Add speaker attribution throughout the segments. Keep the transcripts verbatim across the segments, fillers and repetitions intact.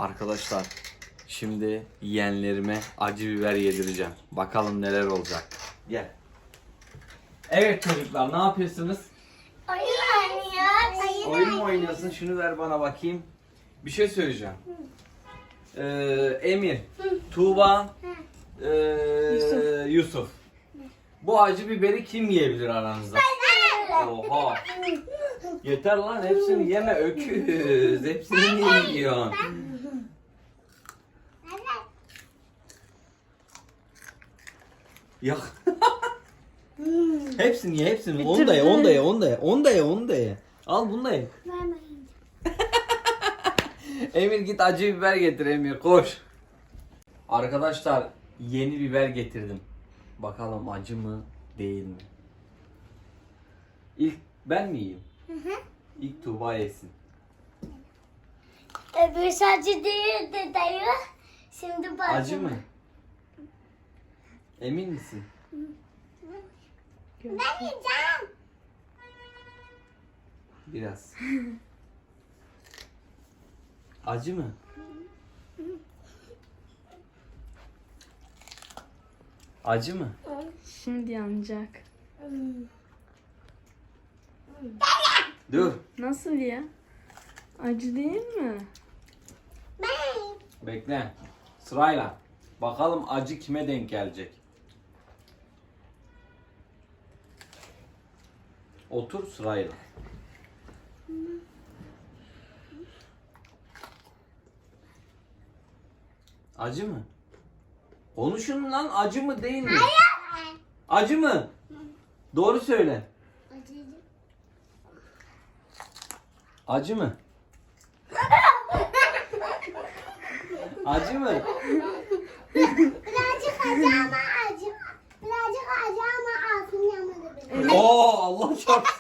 Speaker 1: Arkadaşlar şimdi yeğenlerime acı biber yedireceğim. Bakalım neler olacak. Gel. Evet çocuklar, ne yapıyorsunuz?
Speaker 2: Oyun oynuyoruz.
Speaker 1: Oyun mu oynuyorsun? Şunu ver bana bakayım. Bir şey söyleyeceğim. Ee, Emir, Tuğba, ee,
Speaker 3: Yusuf.
Speaker 1: Yusuf. Bu acı biberi kim yiyebilir aranızda? Oha. Yeter lan, hepsini yeme öküz. Hepsini niye yiyorsun? Ya. Hepsini ye, hepsini. Onu da ye, onu da ye, onu da ye. Onu da ye, onu da ye. Al bunu da ye. Emir git acı biber getir Emir, koş. Arkadaşlar yeni biber getirdim. Bakalım acı mı değil mi? İlk ben mi yiyeyim?
Speaker 2: Hı hı.
Speaker 1: İlk Tuğba yesin.
Speaker 2: Öbür acı değildi dayı. Şimdi bak.
Speaker 1: Acı mı? Emin misin?
Speaker 2: Ben yiyeceğim.
Speaker 1: Biraz. Acı mı? Acı mı?
Speaker 3: Şimdi yanacak.
Speaker 1: Dur.
Speaker 3: Nasıl ya? Acı değil mi?
Speaker 2: Ben.
Speaker 1: Bekle. Sırayla. Bakalım acı kime denk gelecek. Otur sırayla. Acı mı? Konuşun lan, acı mı değil mi?
Speaker 2: Hayır.
Speaker 1: Acı mı? Doğru söyle.
Speaker 2: Acı.
Speaker 1: Acı mı? Acı mı?
Speaker 2: Birazcık acı ama acı. Birazcık acı ama ağzım yanmadı benim.
Speaker 1: Oo, Allah çarpsın.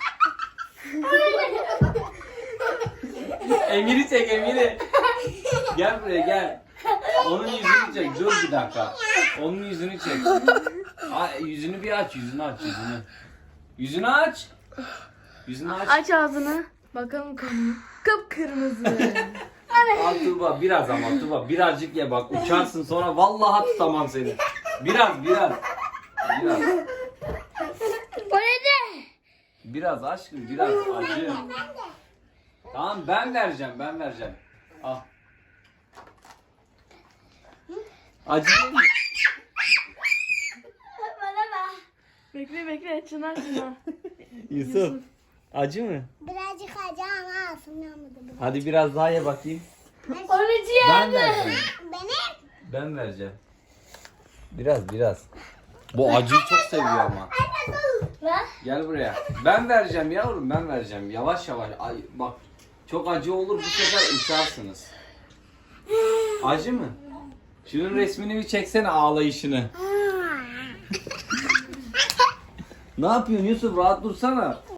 Speaker 1: Emir'i çek, Emir'i. Gel buraya gel. Onun yüzünü çek. Dur bir dakika. Onun yüzünü çek. Aa, yüzünü bir aç, yüzünü aç, yüzünü. Yüzünü aç. Yüzünü aç.
Speaker 3: Aç ağzını. Bakalım kanı. Kıpkırmızı.
Speaker 1: Al Tuğba, biraz ama Tuğba. Birazcık ye bak, uçarsın sonra vallahi tutamam seni. Biraz, biraz. Biraz.
Speaker 2: O ne?
Speaker 1: Biraz aşkım, biraz acı. Tamam, ben vereceğim, ben vereceğim. Al. Acı değil mi?
Speaker 2: Bana bak.
Speaker 3: Bekle bekle. Çınar Çınar.
Speaker 1: Yusuf. Acı mı?
Speaker 2: Birazcık acı ama ağzım yanmadı benim.
Speaker 1: Hadi biraz daha ye bakayım.
Speaker 2: Orucu
Speaker 1: Ben vereceğim.
Speaker 2: Benim.
Speaker 1: Ben vereceğim. Biraz, biraz. Bu acıyı çok seviyor ama.
Speaker 2: Bak.
Speaker 1: Gel buraya. Ben vereceğim yavrum, ben vereceğim. Yavaş yavaş. Ay, bak. Çok acı olur, bu sefer uçarsınız. Acı mı? Şunun resmini bir çeksene, ağlayışını. Ne yapıyorsun Yusuf? Rahat dursana.